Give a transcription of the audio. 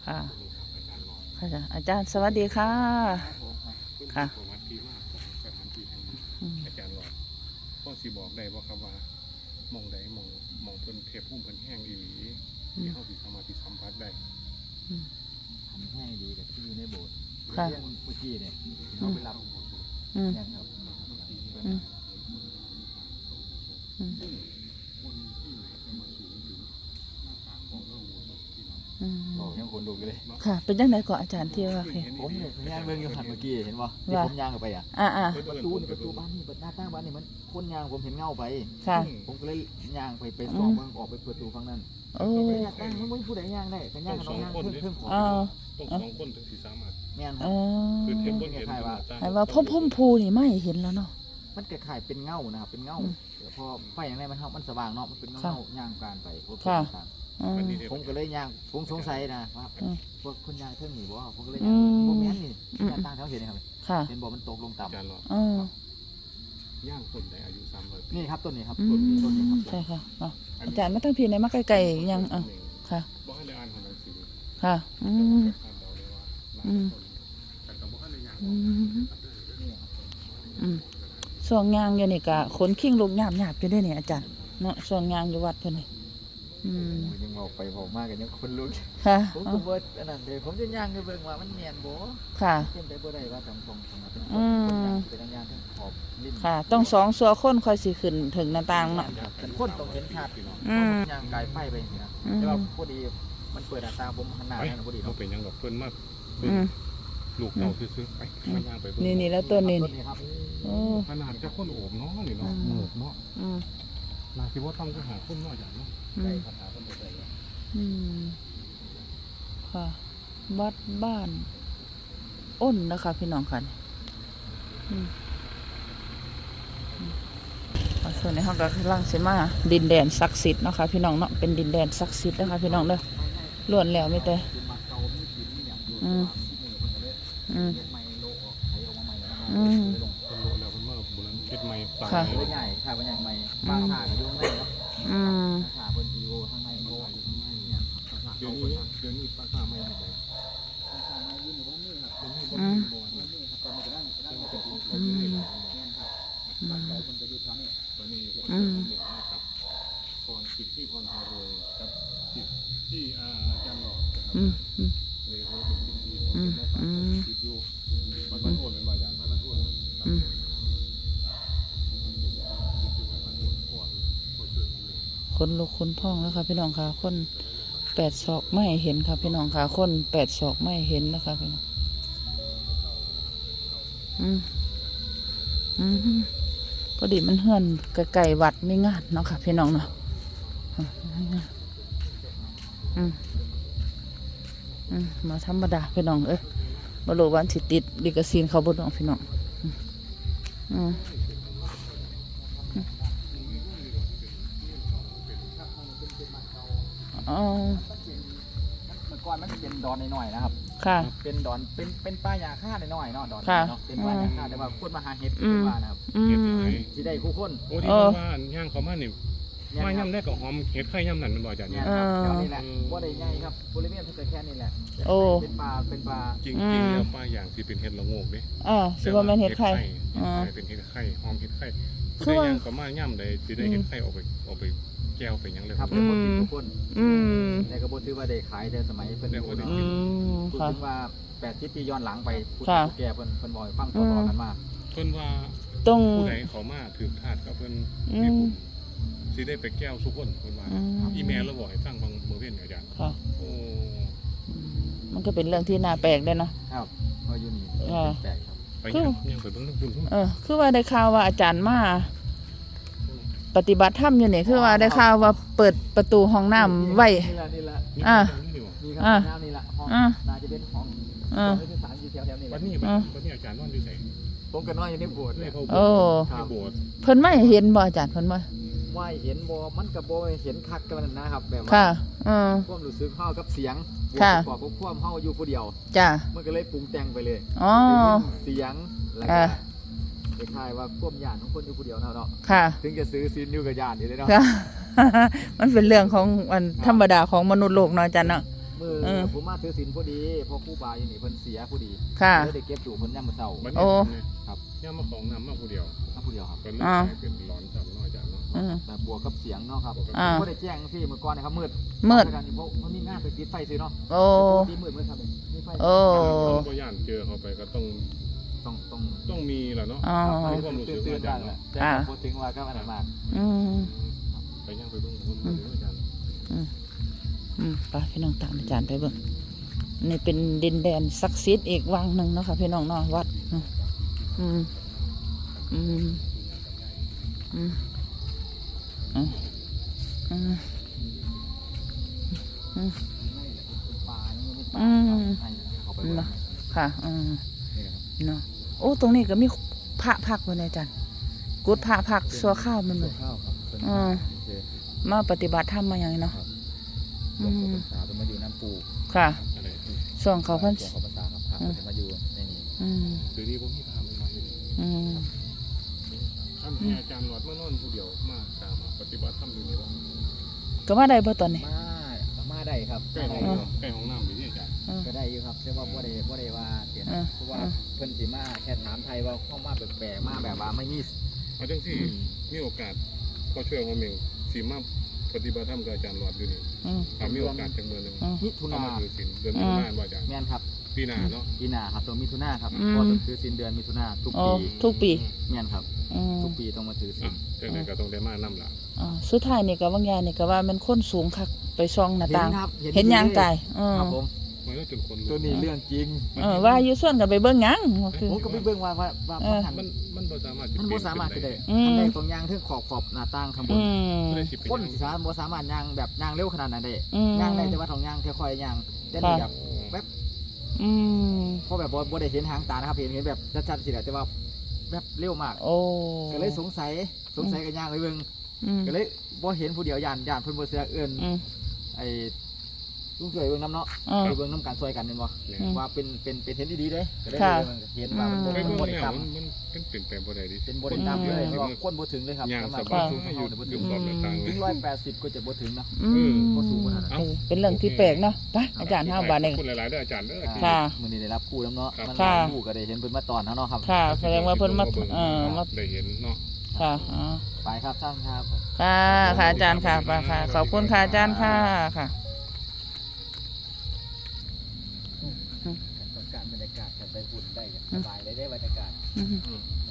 ค่ะค่ะอาจารย์สวัสดีค่ะค่ะประวัติที่มาของสถานที่แห่งนี้อาจารย์หลอดพ่อสิบอกได้ว่าครับว่ามองใดมองเพิ่นเทพพุ่มเพิ่นแห้งอีหลีที่เฮาสิสามารถที่สัมผัสได้ทำให้ดีกับที่อยู่ในโบสถ์เรื่องเมื่อกี้เนี่ยเขาไปรับเนี่ยครับบอกยังคนดูกันเลยค่ะเป็นยังไงก่อนอาจารย์ที่ว่าผมเนี่ยย่างเบิ่งอยู่หันเมื่อกี้เห็นป่ะที่ผมย่างออกไปประตูบ้านนี่หน้าต่างบ้านนี่มันคนย่างผมเห็นเงาไปค่ะผมก็เลยย่างไปส่องมันออกไปประตูฝั่งนั้นโอ้ย่างมันไม่ผู้ใดย่างได้แต่ย่างน้องย่างเพิ่มของต้อง2 คนถึงสิสามารถแม่นครับคือเทพคนเห็นว่าพุ่มพูนี่ไม่เห็นแล้วเนาะมันคล้ายๆเป็นเงานะครับเป็นเงาพอไฟอย่างไรมันสว่างเนาะมันเป็นเงาย่างการไปผมก็เลยย่างผมสงสัยนะว่าพวกคนย่างเท่งหนีบ่ผมก็เลยย่างโมเมนต์นี่ย่างตั้งแถวเห็นนะครับเห็นบ่มันตกลงต่ำย่างต้นได้อายุ300 ปีนี่ครับต้นนี้ครับต้นนี้ครับใช่ค่ะอาจารย์ไม่ต้องพีในมาไกลๆยังค่ะบ่ให้ได้อ่านของหนังสือค่ะส่วนงานอยู่นี่กะขนขิ้งลูกหยาบอยู่ด้วยเนี่ยอาจารย์เนาะส่วนงานอยู่วัดเพิ่นนี่ยังบอกไปบอกมากกันยังคนลุกค่ะผมก็เบิดอันนั้นเดี๋ยวผมจะย่างไปเบิ่งว่ามันเนียนบ่ค่ะเป็นไปบ่ได้ว่าตรงเป็นย่างทั้งขอบลิ้นค่ะต้อง2สัวคนค่อยสิขึ้นถึงหน้าต่างเนาะเป็นคนต้องเห็นชัดย่างกายไฟไปนี่นะแต่ว่าพอดีมันเปิดหน้าต่างผมหันหน้านั่นพอดีเนาะเป็นยังดอกเพิ่นมากลูกเต่าซื้อๆไปมันย่างไปนี่แล้วต้นนี้ครับขนาดจะคนโอบเนาะนี่เนาะหมูเนาะนาคิดว่าต้องไปหาคนน้อยอย่างเนาะได้คาถาคนเดียวเลยค่ะวัดบ้านอ้นนะคะพี่น้องค่ะส่วนในห้องก็คือลังสิมาดินแดนศักดิ์สิทธิ์นะคะพี่น้องเนาะเป็นดินแดนศักดิ์สิทธิ์นะคะพี่น้องเด้อล้วนแล้วไม่แต่ค่ะใหญ่ค่ะเป็นใหญ่ใหม่บางขาอยู่ข้างในครับขาบนดีโอข้างในโลอยู่ข้างในเนี่ยเดี๋ยวนี้ปลาขาไม่ได้ไปตอนนี้ครับพรสิทธิ์ที่พรพารวยกับสิทธิ์ที่อาจารย์หลอดเลยเขาเป็นสิทธิ์ที่ผมมาฝากสิทธิ์อยู่มันโอนเป็นบางอย่างมันโอนคนลุกคนพองแล้วค่ะพี่น้องค่ะคน8 ศอกไม่เห็นค่ะพี่น้องค่ะคน8 ศอกไม่เห็นนะคะพี่น้องพอดีมันเฮือนไกลๆวัดไม่งานเนาะค่ะพี่น้องเนาะมาธรรมดาพี่น้องมาโลวันสิติดลิกซีนเขาบนน้องพี่น้องเมื่อก่อนมันจะเป็นดอนหน่อยนะครับค่ะเป็นดอนเป็นป้ายาฆ่าหน่อยเนาะดอนเนาะเป็นป้ายาฆ่าแต่ว่าคนมาหาเห็ดว่านะครับที่ได้คู่คนโอ้ที่ว่าย่างเขามาเนี่ยมาย่ำได้กับหอมเห็ดไข่ย่ำนั่นมันบ่อยจังเนี่ยนี่แหละว่าได้ใหญ่ครับบริเวณเท่าแค่นี้แหละเป็นปลาจริงแล้วปลาอย่างที่เป็นเห็ดละโงกดิสิว่ามันเห็ดไข่เป็นเห็ดไข่หอมเห็ดไข่คือว่าย่างเขามาย่ำได้ที่ได้เห็ดไข่ออกไปแก้วไปยังเลยครับเป็นกินทุกคนในกระบวนการว่าได้ขายแต่สมัยเป็นพูดถึงว่า80 ปีย้อนหลังไปพูดแก่เพิ่นบ่อยฟังต่อกันมาเพิ่นว่าผู้ใดเขามาถือถาดกับเพิ่นมีบุญสิได้ไปแก้วทุกคนเพิ่นว่าอีเมลแล้วบอกให้ฟังบางมื้อเว้นอาจารย์โอ้มันก็เป็นเรื่องที่น่าแปลกได้เนาะครับพออยู่นี่แปลกครับไปยังไปเบิ่งนำบุญคือว่าได้ข่าวว่าอาจารย์มาปฏิบัติธรรมอยู่นี่คือว่าได้ข่าวว่าเปิดประตูห้องน้ำไว้นี่ละนี่ครับนี่ละห้องน่าจะเป็นห้องที่3อยู่แถวๆนี้วันนี้อาจารย์นอนอยู่ไสผมก็นอนอยู่ในโบสถ์เลยโอ้เพิ่นไม่เห็นบ่อาจารย์เพิ่นบ่เห็นบ่มันก็บ่เห็นคักกันนะครับแบบว่าความรู้สึกเฮากับเสียงบอกกับความเฮาอยู่ผู้เดียวจ้ะมันก็เลยปรุงแต่งไปเลยเสียงแล้วก็คล้ายๆว่าควบญาติของคนอยู่ผู้เดียวเนาะถึงจะซื้อซีนอยู่กับญาติอยู่เลยเนาะมันเป็นเรื่องของธรรมดาของมนุษย์โลกเนาะอาจารย์เนาะมผมมาถือศีลพอดีพอครูบาอยู่นี่เพิ่นเสียพอดีค่ะเลยได้เก็บอยู่เพิ่นยามมื้อเช้าบัดโอ้นี้ครับย่ามาของน้ำมาผู้เดียวมาผู้เดียวครับเป็นเรื่องเป็นร้อนจับน้อยจับเนาะแต่บวกกับเสียงเนาะครับอ่าบ่ได้แจ้งสิมื้อก่อนนะครับมืดมืดเพราะมันมีงานไปติดไฟซื้อเนาะโอ้ตีมืดครับมีไฟโอ้ก็ย่านเจอเขาไปก็ต้องต้องต้องมีแหละเนาะอ๋อความรู้สึกตื่นอาจารย์แหละเนาะแต่พูดถึงว่าก็อันนั้นมากอืมไปย่างไปเบิ่งคนอาจารย์ไปพี่น้องตามอาจารย์ไปเบิ่งนี่เป็นดินแดนศักดิ์สิทธิ์อีกวังหนึ่งเนาะค่ะพี่น้องเนาะวัดอืมอืมอืมอืมอืมอืมปลานี่ไม่ปลาอืมให้เข้าไปเนาะค่ะอืมนี่ครับเนาะโอ้ตรงนี้ก็มีพระพักไว้นะอาจารย์กุดพระพักสัวข้าวมันเลยข้าวครับมาปฏิบัติธรรมมาอย่างนี้เนาะหลวงพ่อพรรษาเป็นมาอยู่น้ำปูค่ะอะไรส่วนเขาเพิ่นหลวงพ่อพรรษาครับพระเป็นมาอยู่ในนี้อืมเดี๋ยวนี้ผมมีพามันมาอยู่อืมท่านอาจารย์หลอดเมื่อนอนผู้เดียวมาตามปฏิบัติธรรมอยู่นี่ว่าก็มาได้บ่ตอนนี้มาได้ครับใกล้ห้องใกล้ห้องน้ำอยู่ที่อาจารย์ก็ได้อยู่ครับแต่ว่าบ่ได้ว่าเสียนะเพราะว่าเพิ่นสิมาแค่ถามไทยว่าเข้ามาแปลกๆมาแบบว่าไม่มีเอาจังที่มีโอกาสพอช่วยของเมงสีมาปฏิบัติธรรมกับอาจารย์หลอดอยู่นี่อืมมีโอกาสจังเมือนึงมิถุเข้านามาถือศีลเดือนมิถุนายนว่าอาจารย์แม่นครับปีหน้าเนาะปีหน้าครับตัวมิถุนาครับก็ต้องถือศีลเดือนมิถุนาทุกอ๋อปีทุกปีแม่นครับอืมทุกปีต้องมาถือศีลจังไหนก็ต้องได้มานํล่ะอ๋อสุดท้ายนี่ก็บางอย่างนี่ก็ว่ามันคนสูงคักไปส่องหน้าต่างครับเห็นยางไก่อืมครับผมไม่ต้องจนคนตัวนี้เรื่องจริงว่าอยู่ส่วนกันไปเบิ่งหยังก็คือผมก็ไปเบิ่งว่าหันมันบ่สามารถมันบ่สามารถจะได้อืมอันใดตรงยางถึงขอบหน้าต่างข้างบอืนมคนสิสามบ่สามารถยางแบบยางเร็วขนาดนั้นได้อืมยางได้แต่ว่าต้องยางค่อยๆยางแต่นี่แบบอืมเพราะแบบบ่ได้เห็นหางตานะครับเห็นแบบชัดๆสิแหละแต่ว่าแบบเร็วมากโอ้ก็เลยสงสัยกันยางไปเบิ่งอืมก็เลยบ่เห็นผู้เดียวย่านเพิ่นบ่เสือเอิ้นอืมไอ้ลุงช่วยเบิ่งน้ำเนาะอ่าไปเบิ่งน้ำกันช่วยกันแม่นบ่อืมว่าเป็นเห็นดีๆเด้ก็เลยค่ะเห็นว่ามันไปบ่เบิ่งบ่ได้แล้วต่ำมันเป็นแปลงบ่ได้ดิเป็นบ่ได้ต่ำเลยเพราะว่าคนบ่ถึงเลยครับย่างสำหสรับบายสูงอเฮายู่เนี่ยบ่อถึยู่งขอบหน้าต่างถึง180ก็จะบ่ถึงเนาะอืมบ่สูงขนาดนั้นเป็นเรื่องที่แปลกเนาะไปอาจารย์ห้าบาทเองขอบคุณหลายๆเด้ออาจารย์เด้อค่ะมื้อนี้ได้รับคู่แล้วเนาะมันค่ะคู่ก็ได้เห็นเพิ่นมาตอนเฮาเนาะครับค่ะแสดงว่าเพิ่นมามาได้เห็นเนาะค่ะอ๋อไปครับท่านครับค่ะค่ะอาจารย์ค่ะไปค่ะขอบคุณค่ะอาจารย์ค่ะค่ะต้องการบรรยากาศกันไปหุ่นได้สบายเลยได้บรรยากาศอืมอืม